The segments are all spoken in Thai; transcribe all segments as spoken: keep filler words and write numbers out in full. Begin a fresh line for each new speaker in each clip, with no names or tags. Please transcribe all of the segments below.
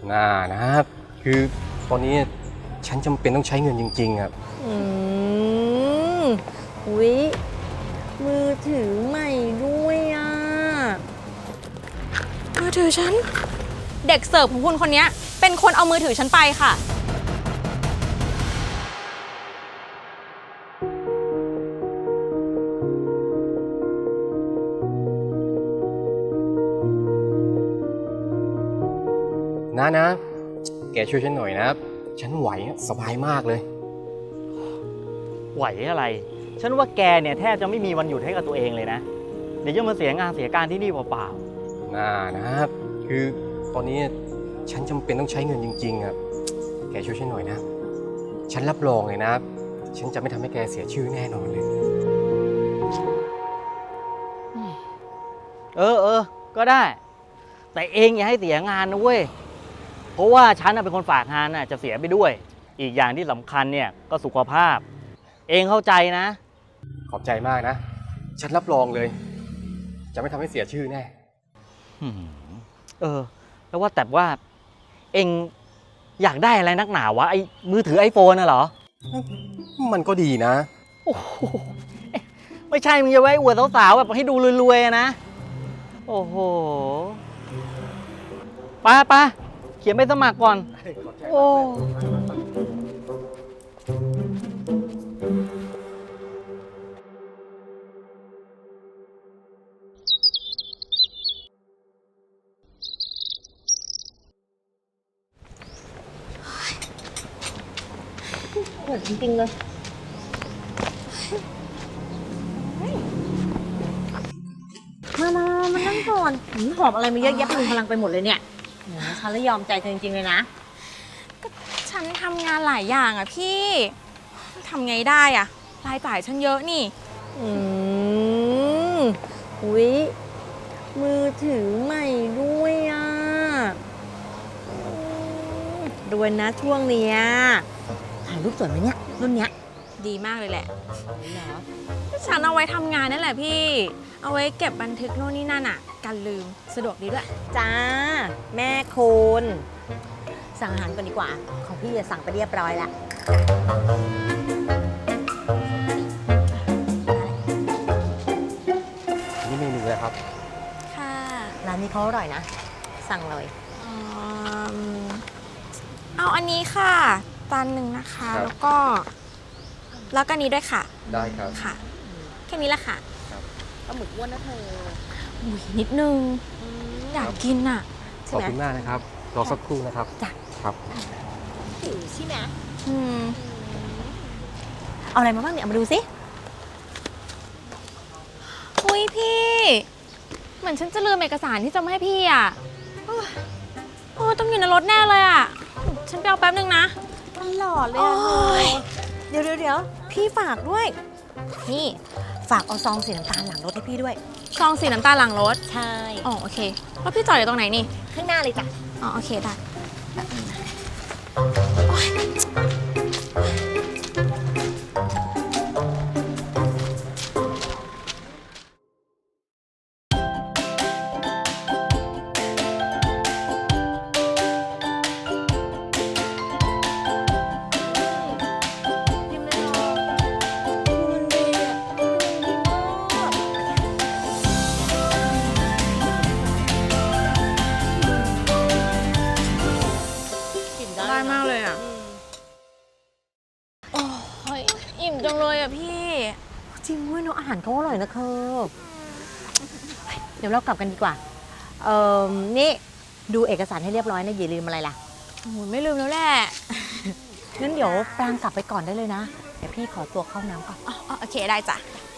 น่านะครับคือตอนนี้ฉันจำเป็นต้องใช้เงินจริงๆครับ
อืมวิมือถือใหม่ด้วยอ่ะ
มือถือฉันเด็กเสิร์ฟของคุณคนนี้เป็นคนเอามือถือฉันไปค่ะ
นะนะแกช่วยฉันหน่อยนะฉันไหวสบายมากเลย
ไหวอะไรฉันว่าแกเนี่ยแทบจะไม่มีวันหยุดให้กับตัวเองเลยนะเดี๋ยวจะมาเสียงานเสียการที่นี่เปล่า
น่านะครับคือตอนนี้ฉันจำเป็นต้องใช้เงินจริงๆอ่ะแกช่วยฉันหน่อยนะฉันรับรองเลยนะฉันจะไม่ทำให้แกเสียชื่อแน่นอนเลย
เออเออก็ได้แต่เองอย่าให้เสียงานนะเว้ยเพราะว่าฉันเป็นคนฝากงานน่ะจะเสียไปด้วยอีกอย่างที่สำคัญเนี่ยก็สุขภาพเองเข้าใจนะ
ขอบใจมากนะฉันรับรองเลยจะไม่ทำให้เสียชื่อแน่
เออแล้วว่าแต่ว่าเองอยากได้อะไรนักหนาวะไอ้มือถือไอโฟนน่ะเหรอ
มันก็ดีนะ
โอ้โหไม่ใช่มึงจะไว้อวดสาวๆแบบให้ดูรวยๆนะโอ้โหป้าป้าเขียนใบสมัครก่อนโอ้
โหจริงๆเลยมามามานั่งก่อนหอบอะไรมาเยอะแยะพลุงพลังไปหมดเลยเนี่ยฉันเลยยอมใจเธอจริงๆเลยนะ
ก็ฉันทำงานหลายอย่างอะพี่ทำไงได้อะรายจ่ายฉันเยอะนี่
อืมวิมือถือใหม่ด้วยอ่ะรวยนะช่วงเนี้ยถ่ายรูปสวยไหมเนี่ยรุ่นเนี้ย
ดีมากเลยแหละฉันเอาไว้ทำงานนั่นแหละพี่เอาไว้เก็บบันทึกโน่นนี่นั่นอ่ะกันลืมสะดวกดีด้วย
จ้าแม่คุณสั่งอาหารก่อนดีกว่าของพี่จะสั่งไปเรียบร้อยละ
นี่เมนูอะไรครับ
ค่ะ
ร้านนี้เขาอร่อยนะสั่งเลย
เอาอันนี้ค่ะจานหนึ่งนะคะแล้วก็แล้วก็นี้ด้วยค่ะ
ได้ครับ
ค่ะแค่นี้แหละค่ะ
ปลาหมึกอ้วนนะเธอ
อุ้ยนิดนึงอยากกินอ่ะ
ขอบคุณมากนะครับรอสักครู่นะครับ
จ้ะ
ครับ
หิวใช่ไหม
อืม
เอาอะไรมาบ้างเนี่ยเอามาดูสิ
อุ้ยพี่เหมือนฉันจะลืมเอกสารที่จะมาให้พี่อ่ะโอ้ต้องอยู่ในรถแน่เลยอ่ะฉันไปเอาแป๊บนึงนะ
ตลอดเลยอ่ะเดี๋ยวเดี๋ยวเดี๋ยวพี่ฝากด้วยนี่ฝากเอาซองสีน้ำตาลหลังรถให้พี่ด้วย
ซองสีน้ำตาลหลังรถ
ใช่
อ๋อโอเคแล้วพี่จอดอยู่ตรงไหนนี่
ข้างหน้าเลยจ้ะ
อ๋อโอเคได้มากเลยอ่ะโอ้ยอิ่มจังเลยอ่ะพี่
จริงด้วยเนาะอาหารเขาอร่อยนะเธอเดี๋ยวเรากลับกันดีกว่าเอ่อนี่ดูเอกสารให้เรียบร้อยนะอย่าลืมอะไรล่ะ
โอ้ยไม่ลืมแล้วแหละ
งั้นเดี๋ยวปรางกลับไปก่อนได้เลยนะเดี๋ยวพี่ขอตัวเข้าน้ำก่อน
อ๋อโอเคได้จ้ะ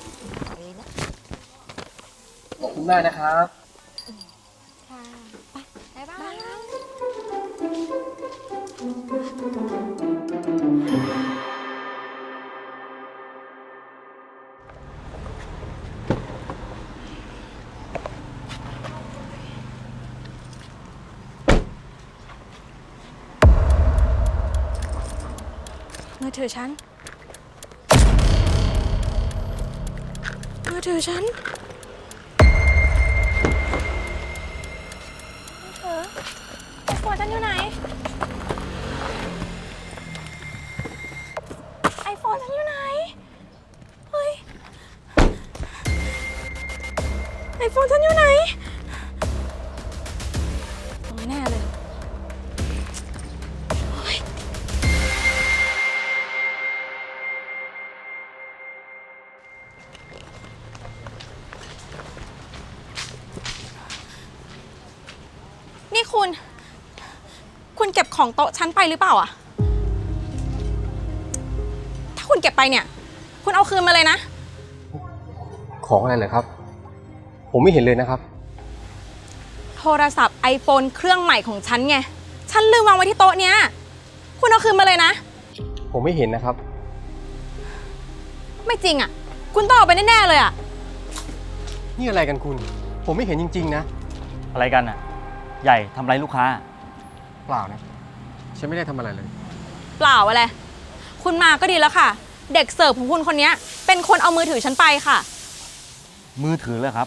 ขอบคุณมากนะครับ
ค่ะไปบ๊ายบายมือถือฉันมือถือฉันเออไอโฟนฉันอยู่ไหน ไอโฟนฉันอยู่ไหน เฮ้ย ไอโฟนฉันอยู่ไหนตรงนี้แน่เลย นี่คุณ คุณเก็บของโต๊ะฉันไปหรือเปล่าอะถ้าคุณเก็บไปเนี่ย คุณเอาคืนมาเลยนะ
ของอะไรเหรอครับ ผมไม่เห็นเลยนะครับ
โทรศัพท์ iPhone เครื่องใหม่ของฉันไง ฉันลืมวางไว้ที่โต๊ะเนี้ย คุณเอาคืนมาเลยนะ
ผมไม่เห็นนะครับ
ไม่จริงอะคุณต้องเอาไปแน่ๆเลยอะ
นี่อะไรกันคุณ ผมไม่เห็นจริงๆนะ
อะไรกันอ่ะ ใหญ่ทำไรลูกค้า
เปล่านะ ฉันไม่ได้ทำอะไรเลย
เปล่าอะไร คุณมาก็ดีแล้วค่ะ เด็กเสิร์ฟของคุณคนนี้เป็นคนเอามือถือฉันไปค่ะ
มือถือเลยครับ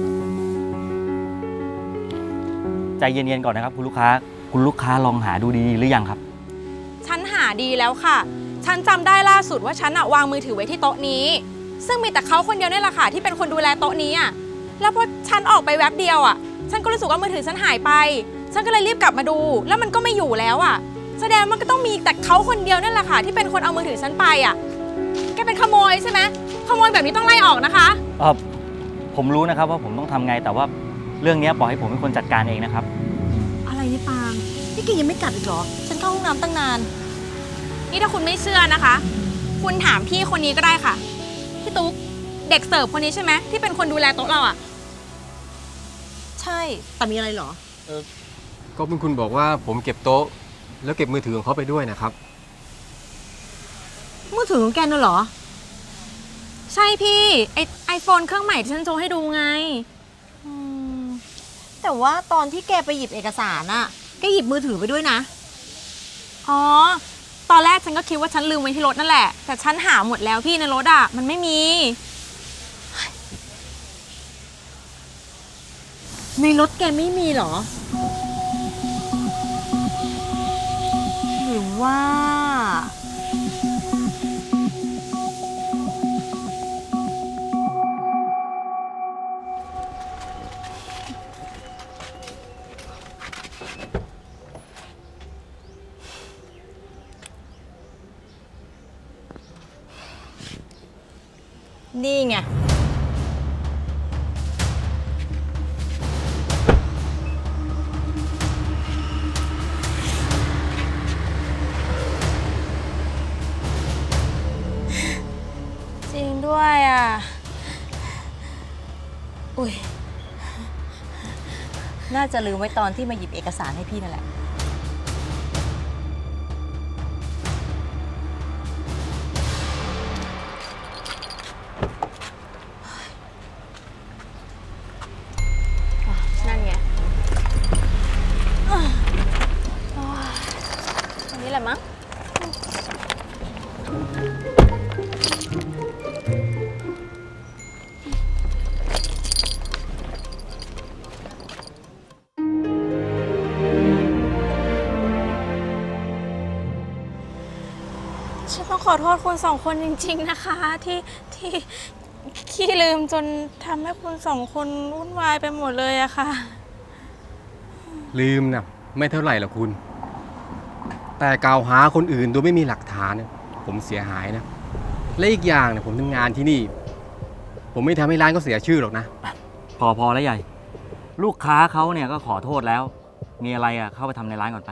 ใจเย็นๆก่อนนะครับคุณลูกค้า คุณลูกค้าลองหาดูดีๆหรือยังครับ
ฉันหาดีแล้วค่ะ ฉันจำได้ล่าสุดว่าฉันอะวางมือถือไว้ที่โต๊ะนี้ ซึ่งมีแต่เขาคนเดียวนี่แหละค่ะที่เป็นคนดูแลโต๊ะนี้อะแล้วพอฉันออกไปแวบเดียวอะฉันก็รู้สึกว่ามือถือฉันหายไป ฉันก็เลยรีบกลับมาดู แล้วมันก็ไม่อยู่แล้วอะแสดงมันก็ต้องมีแต่เขาคนเดียวนั่นแหละค่ะที่เป็นคนเอามือถือฉันไปอะแกเป็นขโมยใช่ไหมขโมยแบบนี้ต้องไล่ออกนะคะ
เออผมรู้นะครับว่าผมต้องทำไง แต่ว่าเรื่องนี้ปล่อยให้ผมเป็นคนจัดการเองนะครับ
อะไรนี่ปางนี่แกยังไม่กลับอีกเหรอ ฉันเข้าห้องน้ำตั้งนาน
นี่ถ้าคุณไม่เชื่อนะคะ คุณถามพี่คนนี้ก็ได้ค่ะ พี่ตุ๊ก เด็กเสิร์ฟคนนี้ใช่ไหมที่เป็นคนดูแลโต๊ะเราอะ
ใช่ แต่มีอะไรเหรอ
ก็เป็นคุณบอกว่าผมเก็บโต๊ะ แล้วเก็บมือถือของเขาไปด้วยนะครับ
มือถือของแกน่ะเหรอ
ใช่พี่ ไอไอโฟนเครื่องใหม่ที่ฉันโชว์ให้ดูไง
อืม แต่ว่าตอนที่แกไปหยิบเอกสารอะแกหยิบมือถือไปด้วยนะ
อ๋อ ตอนแรกฉันก็คิดว่าฉันลืมไว้ที่รถนั่นแหละ แต่ฉันหาหมดแล้วพี่ในรถอะมันไม่มี
ในรถแกไม่มีเหรอ หรือว่า นี่ไง
จริงด้วยอะอุ้ย
น่าจะลืมไว้ตอนที่มาหยิบเอกสารให้พี่นั่นแหละ
นั่นไงอันนี้แหละมั้ง ฉันต้องขอโทษคุณสองคนจริงๆนะคะ ที่ที่ขี้ลืมจนทำให้คุณสองคนวุ่นวายไปหมดเลยอะค่ะ
ลืมนะไม่เท่าไหร่หรอกคุณ แต่กล่าวหาคนอื่นโดยไม่มีหลักฐานเนี่ยผมเสียหายนะ และอีกอย่างเนี่ยผมทำงานที่นี่ ผมไม่ทำให้ร้านก็เสียชื่อหรอกนะ
พอพอแล้วใหญ่ ลูกค้าเขาเนี่ยก็ขอโทษแล้ว มีอะไรอ่ะเข้าไปทำในร้านก่อนไป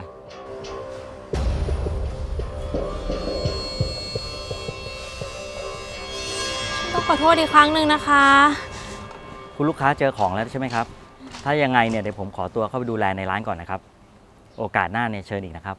ต้องขอโทษอีกครั้งหนึ่งนะคะ
คุณลูกค้าเจอของแล้วใช่ไหมครับ ถ้ายังไงเนี่ยเดี๋ยวผมขอตัวเข้าไปดูแลในร้านก่อนนะครับ โอกาสหน้าเนี่ยเชิญอีกนะครับ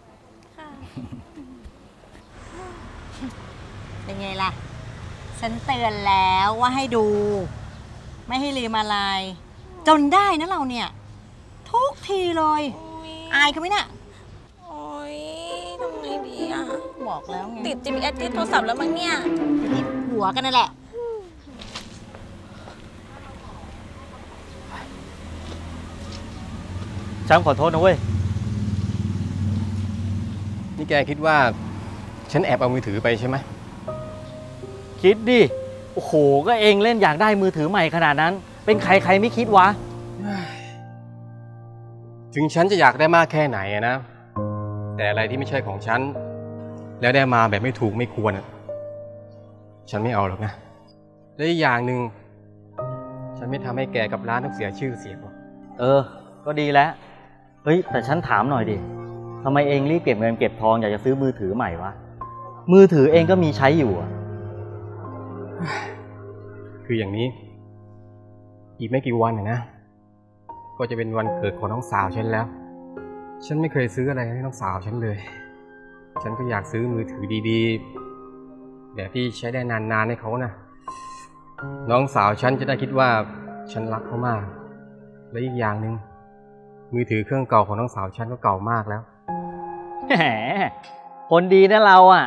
เป็นไงล่ะ ฉันเตือนแล้วว่าให้ดู ไม่ให้ลืมอะไร จนได้นะเราเนี่ย ทุกทีเลย อายเขาไหมเนี่ย
โอ๊ยทำไงดีอะ
บอกแล้วไง
ติด จี พี เอส ที่โทรศัพท์แล้วมั้งเนี่ย
ติดหัวกันนั่นแหละ
ฉันขอโทษนะเว้ย
นี่แกคิดว่า ฉันแอบเอามือถือไปใช่ไหม
คิดดิ โอ้โห ก็เองเล่นอยากได้มือถือใหม่ขนาดนั้น เป็นใครใครไม่คิดวะ
ถึงฉันจะอยากได้มากแค่ไหนอะนะ แต่อะไรที่ไม่ใช่ของฉัน แล้วได้มาแบบไม่ถูกไม่ควรอะฉันไม่เอาหรอกนะ และอีกอย่างหนึ่งฉันไม่ทำให้แกกับร้านต้องเสียชื่อเสียงหรอก
เออ ก็ดีแล้ว เฮ้ย แต่ฉันถามหน่อยดิทำไมเองรีบเก็บเงินเก็บทองอยากจะซื้อมือถือใหม่วะ มือถือเองก็มีใช้อยู่อะ
คืออย่างนี้ อีกไม่กี่วันนะนะ ก็จะเป็นวันเกิดของน้องสาวฉันแล้ว ฉันไม่เคยซื้ออะไรให้น้องสาวฉันเลย ฉันก็อยากซื้อมือถือดีๆแบบที่ใช้ได้นานๆให้เขานะน้องสาวฉันจะได้คิดว่าฉันรักเขามาก และอีกอย่างหนึ่งมือถือเครื่องเก่าของน้องสาวฉันก็เก่ามากแล้ว
แหม คนดีนะเราอ่ะ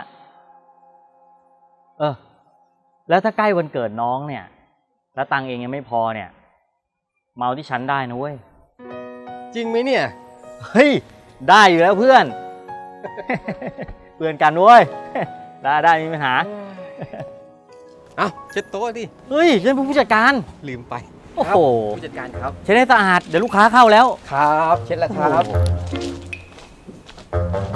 เออ แล้วถ้าใกล้วันเกิดน้องเนี่ย แล้วตังค์เองยังไม่พอเนี่ย เมาที่ฉันได้นะเว้ย
จริงไหมเนี่ย
เฮ้ย ได้อยู่แล้วเพื่อน เพื่อนกันเว้ย ได้ได้ไม่มีปัญหา
เอ้าเช็ดโต๊ะดิ
เฮ้ย ฉันเป็นผู้จัดการ
ลืมไป
โอ้โห
ผู้จัดการครับ
เช็ดให้สะอาด เดี๋ยวลูกค้าเข้าแล้ว
ครับ เช็ดแล้วครับ
โอ้โห